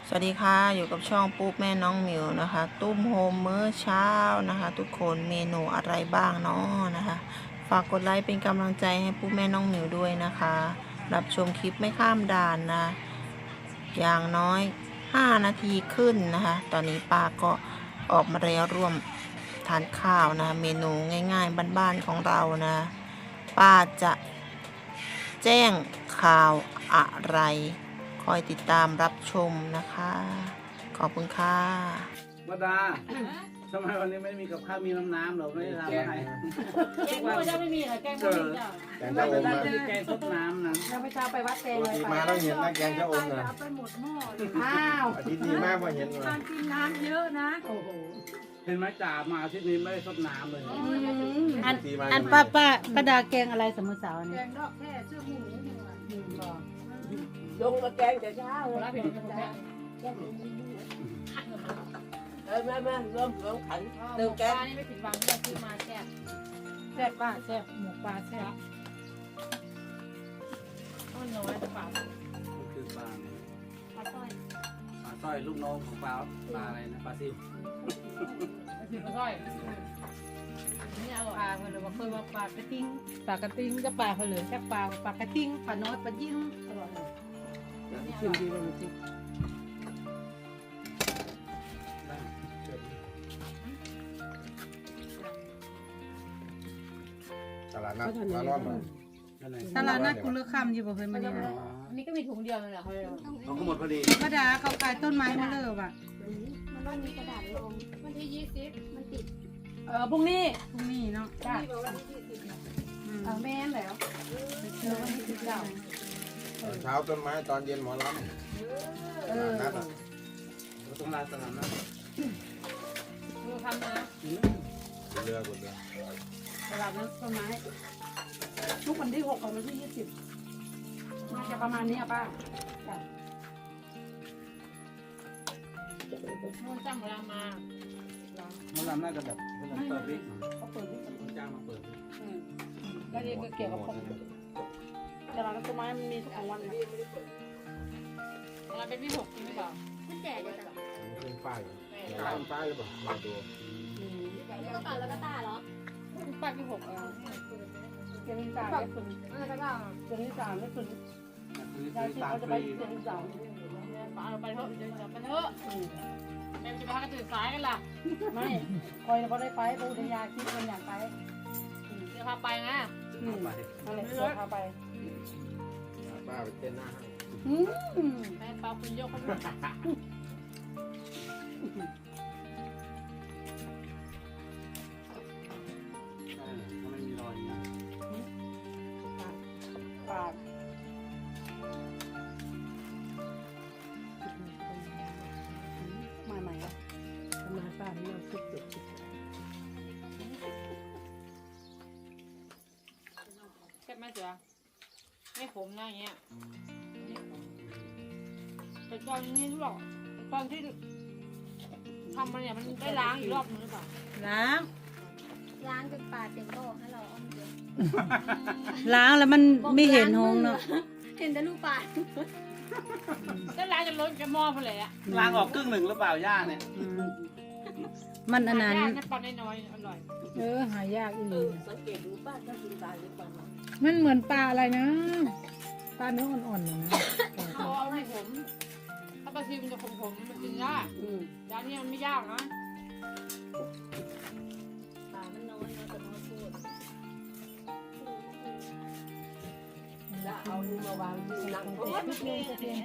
สวัสดีค่ะอยู่กับช่องปุ๊บแม่น้องหมิวนะคะตุ้มโฮมมื้อเช้านะคะทุกคนเมนูอะไรบ้างเนาะนะคะฝากกดไลค์เป็นกำลังใจให้ปุ๊บแม่น้องหมิวด้วยนะคะรับชมคลิปไม่ข้ามด่านนะอย่างน้อย5 นาทีขึ้นนะคะตอนนี้ป้าก็ออกมาแล้วร่วมทานข้าวนะเมนูง่ายๆบ้านๆของเรานะป้าจะแจ้งข่าวอะไรคอยติดตามรับชมนะคะ ขอบคุณค่ะวดาทำไมวันนี้ไม่มีกับข้าวมีน้ำหรอไม่ได้ทำให้แกงก็จะไม่มีเหรอแกงก็ไม่จ้ะแกงเราชะอจะมได้นะมีแกงซดน้ำนะเราไปเช้าไปวัดแกงปกเลยติไปมาต้องเห็นนะแกงชะอมนะเอาไปหมดหม้อเลยอ้าวอาทิตย์นี้มากพอเห็นเลยการกินน้ำเยอะนะโอ้โหเห็นไหมจ่ามาอาทิตย์นี้ไม่ได้ซดน้ำเลยอันป้าดาแกงอะไรสมมุติสาวแกนี่งดอกแค่เสื้อหมูนี่หว่าบอกลงมาแกงแต่เช้าเลยแล้วเป็นยังไงมารวมขันหเติมูมปแก๊ลาสนี่ไม่ผิดหวังที่เราซื้อมาแซ่บแซ่บป้าแซ่บหมูปลาแซ่บมันน้อยแต่ปลาคือปลาปลาสร้อยปลาสร้อยลูกน้องของปลาอะไรนะปลาซิวปลาสร้อยนี่อร่อยปลาเขาเลยว่าเคยว่าปลากระติ้งปลากระติ้งก็ปลาเขาเลยแค่ปลากระติ้งปลาน้อยปลายิ่งอร่อยชิมดีเลยจริงตลาดนัดมาล้อมมานั่นไงตลาดนัดกุลค่ำอยู่บ่เพิ่นมาเนี่ยอันนี้ก็มีถุงเดียวเลยเหรอเขาก็หมดพอดีป้าดาเขาขายต้นไม้มาเลยว่ะมันต้องมีกระดาษลงวันที่20มันติดพรุ่งนี้พรุ่งนี้เนาะจ้ะที่บอกว่าที่20 แม่นแล้วเจอวันที่19 ตอนเช้าต้นไม้ตอนเย็นหมอลำตลาดนัดอ่ะเราต้องลาสนามนะดูทำนะเรือบนเรือตลาดนั้นต้นไม้ทุกวันที่6กับวันที่20น่าจะประมาณนี้ป้ามันจ้างเวลามามันลำน่าจะแบบเปิดวิกเขาเปิดที่มันจ้างมาเปิดแล้วนี่ก็เกี่ยวกับของตลาดต้นไม้มันมีทุกวันนะอะไรเป็นที่6จริงหรือเปล่ามันแจกเลยจ้ะขึ้นป้ายป้ายป้ายหรือเปล่ามาดูแล้วก็แล้วก็ตาเหรอป้าที่6เดือนที่3ได้คุณอะไรก็ตาเดือนที่3ได้คุณคือใช่ที่ตามเขาจะฟไปรีเดือนที่3ป้าเราไปเถอะเดือนที่3ไปเถอะแม่จะไปหากระตื่นสายกันล่ะไม่คอยเขาได้ไปปูทยาคิดคนอยากไปเดี๋ยวพาไปนะไปอะไรเดี๋ยวพาไปป้าไปเต้นหน้าให้แม่ปลาคุณโยกเขาด้วยถ้าไม่มีรอยนะปากมาใหม่ละมาป้าเนี่ยสุดแค่ไม่เสือไม่ขมนะอย่างเงี้ยแต่ตอนนี้หรอกตอนที่ทำมันเนี่ยมันได้ล้างอีกรอบนึงหรือเปล่าล้างล้างจนปลาเต็มบ่อให้เราเอาเยอะล้างแล้วมันไม่เห็นหงเนาะเห็นแต่ลูกปลาได้ล้างจนล้นกระหม้อไปเลยอะล้างออกครึ่งหนึ่งหรือเปล่าย่าเนี่ยมันอันนั้นย่างปลาน้อยๆอร่อยหายากอีหลีสังเกตดูป้าถ้ากินตายหรือเปล่ามันเหมือนปลาอะไรนะปลาเนื้ออ่อนๆนะเขาเอาให้ผมถ้าปลาซิวมันจะขมๆมันกินยากร้านนี้มันไม่ยากนะปลามันน้อยนะแต่น้อยพูดแล้วเอาดูมาวางที่นั่งโอ๊ยสวัสดี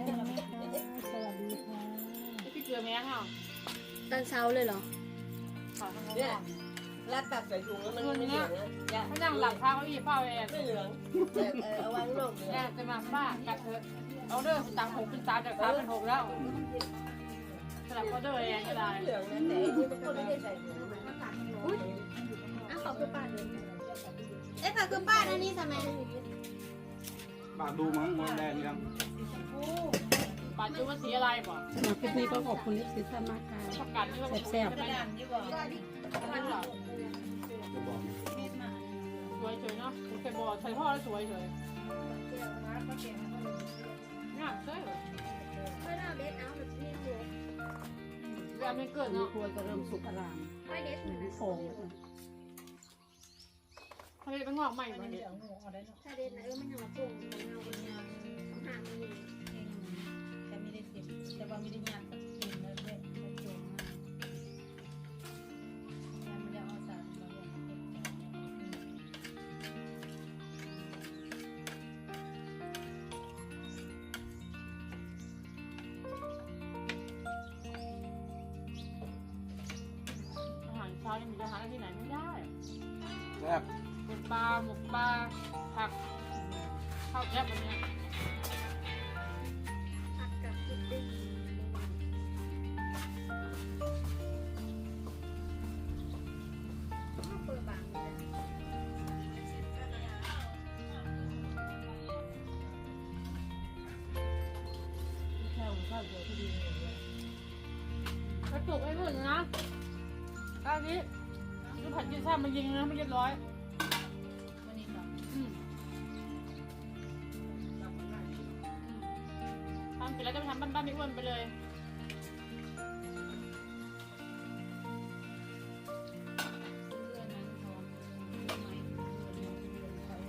ค่ะพี่เกลือแมงอ่ะตอนเช้าเลยเหรอขอทำงานเนี่ยรัดตักใส่ถุงแล้วมันไม่เหลืองนะอย่าเขานั่งหลับข้าวเขาอีเฝ้าเองไม่เหลืองเอาวางนอกเหลืแม่องจะมาบ้ากัดเถอะเอาเด้อตัง6เป็น3จาก3เป็น6แล้วสลับออเดอร์เองก็ได้เหลืองนะแต่นี่มันก็ไม่ได้ใส่ถุงอุ้ยอ่ะขอบคุณป้าเลยเอ๊ะค่ะคือป้าอันนี้ทำไมปากดูมั้งมันแดงยังปาจูว่าสีอะไรบ่สำหรับคลิปนี้ก็ขอบคุณลิปซิท่านมากค่ะประกาศนี่ว่าแซ่บไม่ได้สวยเฉยเนาะเคยบอกใส่พ่อแล้วสวยเฉยงามเฉยไม่น่าเบสเอาแบบนี้เลยแบบไม่เกิดมีเนาะครัวจะเริ่มสุกอร่ามไม่เด็ดเหมือนมีกันโฟงเขาจะเป็นงอกใหม่มาเนี่ยถ้าเด็ดนะมันยังมาปรุงมันเอาเป็นยังหางมันอยู่แต่ไม่ได้เสียบแต่ว่าไม่ได้ย่างกับกินแล้วเนี่ยมันโยงมากยังไม่ได้เอาสารมาอย่างนี้อาหารเช้ายังมีอาหารที่ไหนไม่ได้แซ่บเป็นปลาหมกปลาผักข้าวแคบแบบเนี้ยผักกับพุดดิ้งเปิดบางเลยแค่ข้าวเดียวก็ดีเลยกระจุกไอ้นู่นนะตอนนี้คือผัดกินซ่ามายิงนะไม่เรียบร้อยวันนี้ครับทำเสร็จแล้วจะไปทำบ้านๆไม่อ้วนไปเลยเรื่องนั้นพร้อมเรื่องไหมเรื่องใคร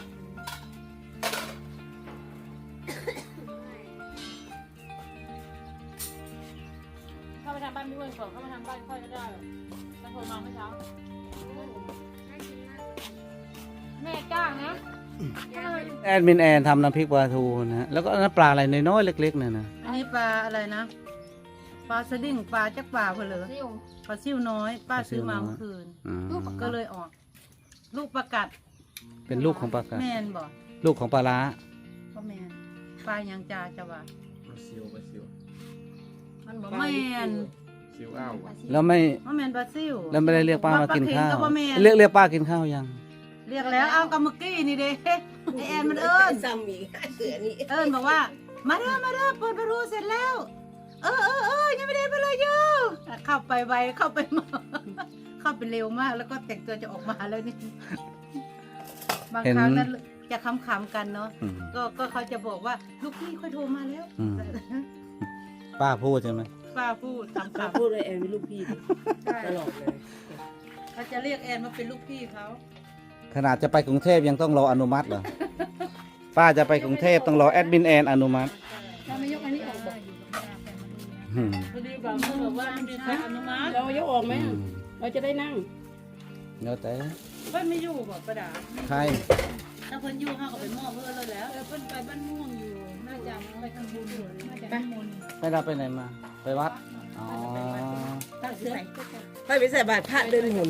เข้าไปทำบ้านไม่อ้วนก่อนเข้ามาทำบ้านค่อยก็ได้จะโทรมาเมื่อเช้าน่ากินมากเลยแม่จ้างนะแอดมินแอนทำน้ำพริกปลาทูนะฮะแล้วก็น้ำปลาอะไรน้อยๆเล็กๆเนี่ยนะอันนี้ปลาอะไรนะ ปลาสดิ้งปลาจักปลาเพลอซิ่วปลาซิ่วน้อย ป้าซื้อมาเมื่อคืนอืมก็เลยออก ลูกประกัดเป็นลูกของปลากาแมนบอกลูกของปลาร้าก็แมนปลายังจาจะว่าปลาซิวปลาซิวมันบอกแมนซิวอ้าวว่ะแล้วไม่ว่าแมนปลาซิ่วแล้วไม่ได้เรียกป้ามากินข้าวปลาเค็งก็บ่แม่นเรียกป้ากินข้าวยังเรียกแล้วเอากับเมื่อกี้นี่เด้ไอแอนมันเอิญซ้ำอีกเสือนี่เอิญบอกว่า มาเด้อมาเด้อเปิดประตูเสร็จแล้ว ยังไม่ได้ไปเลยอยู่เข้าไปไวเข้าไปมา เข้าไปเร็วมาก แล้วก็แต่งตัวจะออกมาแล้วนี่บางครั้งนั้นจะขำๆกันเนาะอืมก็เขาจะบอกว่าลูกพี่ค่อยโทรมาแล้วอืม ป้าพูดใช่ไหมป้าพูดขำมาพูดเลยแอนเป็นลูกพี่ดิๆใช่ตลอดเลยเขาจะเรียกแอนมาเป็นลูกพี่เขาขนาดจะไปกรุงเทพยังต้องรออนุมัติเหรอ ป้าจะไปกรุงเทพต้องรอแอดมินแอนอนุมัติถ้าไม่ยกอันนี้ออกบอกอืมพอดีแบบเขาบอกว่าไม่มีใครอนุมัติเรายกออกไหมเราจะได้นั่งแล้วแต่เพิ่นไม่อยู่บอกประดาใครถ้าเพิ่นอยู่เขาก็ไปมอบเพิ่นเลยแล้วเพิ่นไปบ้านม่วงอยู่ น่าจะไปทำบุญอยู่น่าจะนิมนต์ไม่รับไปไหนมา ไปวัด อ๋อตั้งเสือไปใส่บาตรพระเดินหน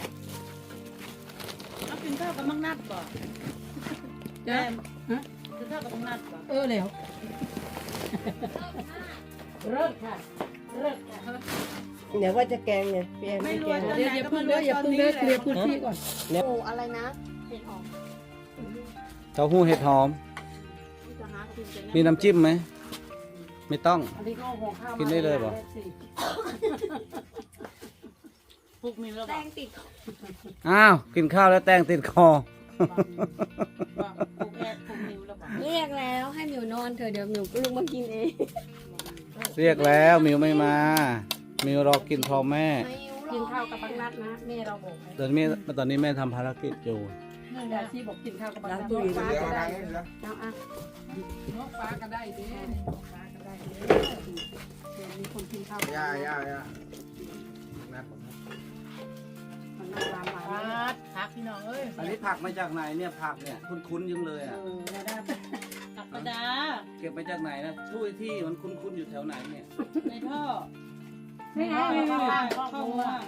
เอากินข้าวกับมังนัดบ่แม่กินข้าวกับมังนัดบ่แล้วเลิกค่ะเลิกค่ะเดี๋ยวว่าจะแกงเนี่ยพี่แอนไม่ไม่รแกวยงตอนเดี๋ยวไหนอย่าก็เพิ่มาง รเด้วอย อย่าตอนเพิ่งนี้เด้อแหเคลียละร์พื้นที่ก่อนโอ้อะไรนะเห็ดหอมเต้าหู้เห็ดหอมจะหากินจะมีน้ำจิ้มไหม ไม่ต้องอันนี้ก็เอาห่อข้าวกินได้เลยเหรอปลุกมีแล้วแตบอกงติดอ้าว กินข้าวแล้วแตงติดคอปลุกแอดปลุกนิวแล้วบอกเรียกแล้วให้หมิวนอนเถอะเดี๋ยวหมิวก็ลุกมากินเองเรียกแล้วมิวไม่มา มิวรอกินพร้อมแม่ไม่รู้หรอกกินข้าวกับปังนัดนะแม่เราบอกให้ตอนนี้แม่ทำภารกิจอยู่ยาชีบอกกินข้าวกับปังนัดเดี๋ยวฟ้าเอาก็ทาได้งนี้นะเอาอ่ะนกฟ้าก็ได้เด้นกฟ้าก็ได้เด้เดี๋ยวมีคนกินข้าวย่านัดผมมันน่าร้านหวานพักพี่น้องเอ้ยอันนี้ผักมาจากไหนเนี่ยผักเนี่ยคุ้นๆยังเลยอ่ะแล้วได้ตักประดาเก็บมาจากไหนนะช่วยที่มันคุ้นๆอยู่แถวไหนเนี่ยในท่อนี่ไงเข้าข้าบ้านวเข้าครัหัวว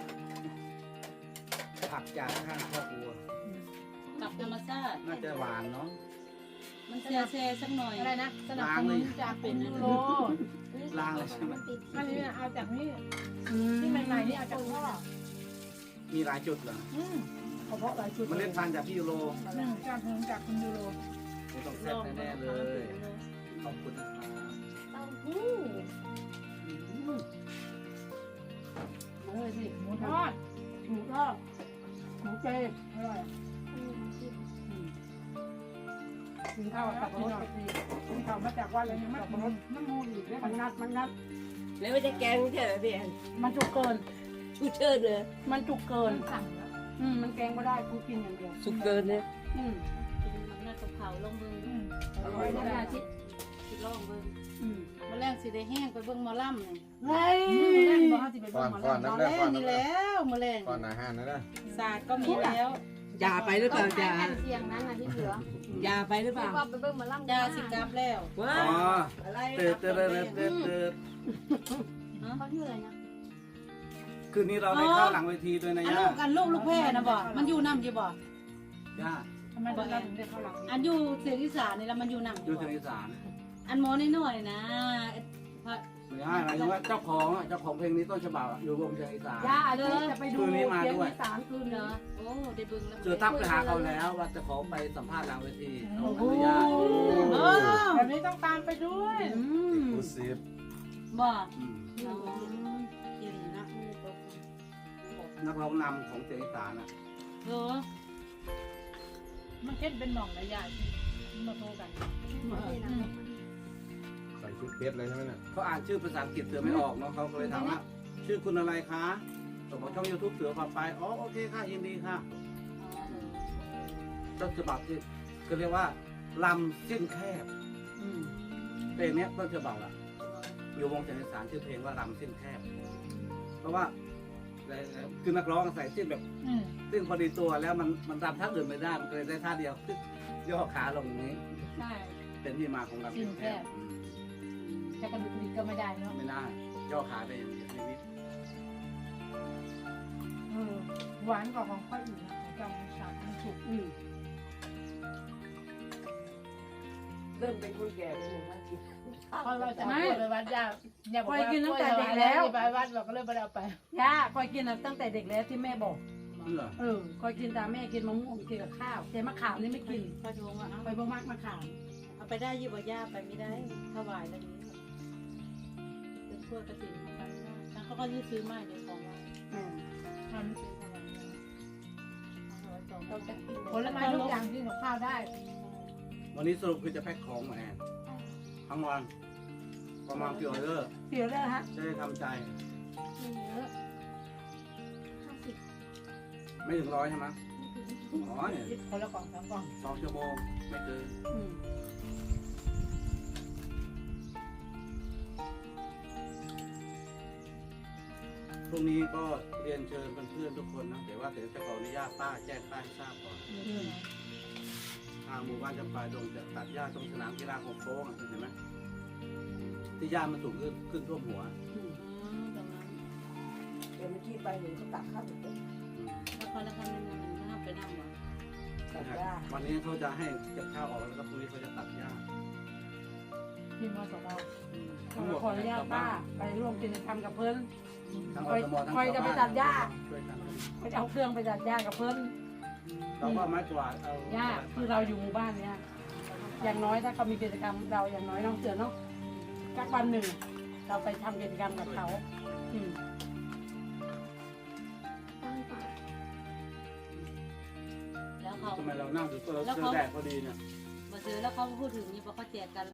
ผักจากข้างครอบครัวกับธรรมชาติน่าจะหวานเนาะมันเซเซสักหน่อยอะไรนะสนับสนุนจากเป็นยูโรล้างเลยใช่ไหมอันนี้เอาจากนี่ที่ใหม่ๆนี่เอาจากพ่อมีหลายจุดเหรอเฉพาะหลายชุดเมล็ดพันธุ์จากพี่ยูโรจากคุณยูโรไม่ต้องแซ่บแน่ๆเลย ขอบคุณนะครับเต้าหู้มาเลยสิหมูทอดหมูทอดหมูเจอร่อยกินข้าวกับรถสิคุณเขามาจากว่าอะไรยังไม่กับรถน้ำมูกอีกแล้วมันนัดแล้วว่าจะแกงไม่ใช่เหรอพี่แอนมันจุกเกินกูเชิดเลยมันจุกเกินมันแกงไม่ได้กูกินอย่างเดียวสุกเกินเนี่ยกินมันน่ากับเขาลงมืออร่อยนะชิคิดลองเบิ่งมาแรงสิได้แห้งไปเบิ่งหมอลำนี่เฮ้ยมาแรงบ่เฮาสิไปก่เบิ่อง นหมอก่อนลำน้ำมาแรแรกก่อง นนี่น้ำแรกแล้วมาแรงก่อนอาหารนะนะศาสตร์ก็มีแล้วยาไปหรือเปล่าใช้ยาแผ่นเสียงนั้นนะที่เหลือยาไปหรือเปล่าก็ไปเบิ่งมาล่ำยาสิกลับแล้วว้าอ๋ออะไรเติร์ดเติร์ดเติร์ดเติร์ดเติร์ดเขาชื่ออะไรนะคืนนี้เราได้เข้าหลังเวทีด้วยนะอันย่าลูกแพร่นะบ่มันอยู่นำอยู่บ่ย่าทำไมเราถึงได้เข้าหลังอันอยู่เสียงอีสานนี่แล้วมันอยู่นำออยู่ยู่ทางบ่อีสานอันหมอน้อยๆนะไม่ใช่หมายถึงว่าเจ้าของเพลงนี้ต้นฉบับอยู่วงเชียงอีสานย่าเลยจะไปดูคืนนี้มาด้วยเสียงอีสานคืนเหรเนออะโอ้ได้เบิ่งแล้วเจอทักไปหาเขาแล้วว่าจะขอไปสัมภาษณ์หลังเวทีเขาอนุญาตโอ้แบบนี้ต้องตามไปด้วยกูซีฟบ่อืมอ๋อเก่งนะนักร้องนำของเชียงอีสานอ่ะเออมันเช่นเป็นหม่องระยะที่มาโทรกันใส่ชุดเพชรเลยใช่ไหมเนี่ยเขาอ่านชื่อภาษาอังกฤษเสือไม่ออกเนาะเขาก็เลยถามว่าชื่อคุณอะไรคะส่งมาช่อง YouTube เสือพาไปอ๋อโอเคค่ะยินดีค่ะต้นฉบับที่ก็เรียกว่าลำเส้นแคบเพลงเนี้ยต้นฉบับอะอยู่วงเชียงอีสานชื่อเพลงว่าลำเส้นแคบ เพราะว่าคือนักร้องใส่เส้นแบบเส้นพอดีตัวแล้วมันรำท่าอื่นไม่ได้มันก็เลยได้ท่าเดียวย่อขาลงอย่างนี้ใช่เป็นที่มาของลำเส้นแคบจะกระดูกกระดิกก็ไม่ได้เนาะไม่ได้ย่อขาได้อย่างเดียวชีวิตหวานกว่าของข้าวอื่นนะของจำฉ่ำมันสุกเริ่มเป็นคนแก่เป็นหมู่บ้านกินเพราะเราจะเอาไปวัดยาอย่าบอกว่าไปวัดเราก็เลยไม่ได้เอาไปย่าคอยกินตั้งแต่เด็กแล้วที่แม่บอกเหรอคอยกินตามแม่กินมะม่วงกินกับข้าว แต่มะขามนี่ไม่กินพระทงอ่ะคอยบ่มักมะขามเอาไปได้ยี่บ่ย่าไปไม่ได้ถวายแล้วนี้เป็นพวกกระถิ่นไปไม่ได้ทั้งเขาก็ซื้อมาเดี๋ยวของเราทำเป็นอะไรเราจะกินผลไม้ทุกอย่างที่หนูข้าวได้วันนี้สรุปคือจะแพ็คของมาแอนทั้งวันประมาณกี่ออเดอร์เสียแล้วฮะจะได้ทำใจเยอะ50 ไม่ถึง100ใช่ไหมอ๋อเนี่ยคนละกล่องสองกล่อง 2 ชั่วโมงไม่เกินพรุ่งนี้ก็เรียนเชิญเพื่อนๆทุกคนนะแต่ว่าเดี๋ยวจะขออนุญาตป้าแจ้งป้าให้ทราบก่อนทางหมู่บ้านจำปาดงจะตัดหญ้าตรงสนามกีฬาของโค้งเห็นไหมที่หญ้ามันสูงขึ้นท่วมหัวเดี๋ยวเมื่อกี้ไปเห็นเขาตักข้าวหมูแล้วเขามันน่าไปนั่งวะตักหญ้าวันนี้เขาจะให้เก็บข้าวออกแล้วก็พรุ่งนี้เขาจะตัดหญ้ากินมาสองเราทั้งหมดขออนุญาตป้าไปร่วมกิจกรรมกับเพิ่นทั้งอสมทั้งคอยจะไปตัดหญ้าช่วยกันไปเอาเครื่องไปตัดหญ้ากับเพิ่นเราก็ไม้กวาดเอาหญ้าคือเราอยู่หมู่บ้านเนี่ยอย่างน้อยถ้าเขามีกิจกรรมเราอย่างน้อยน้องเสือเนาะสักวันหนึ่ง เราไปทำกิจกรรมกับเขาแล้วเขาทำไมเรานั่งดูตัวแดดพอดีเนี่ยมาซื้อแล้วเขาพูดถึงนี่พอเขาแจกกัน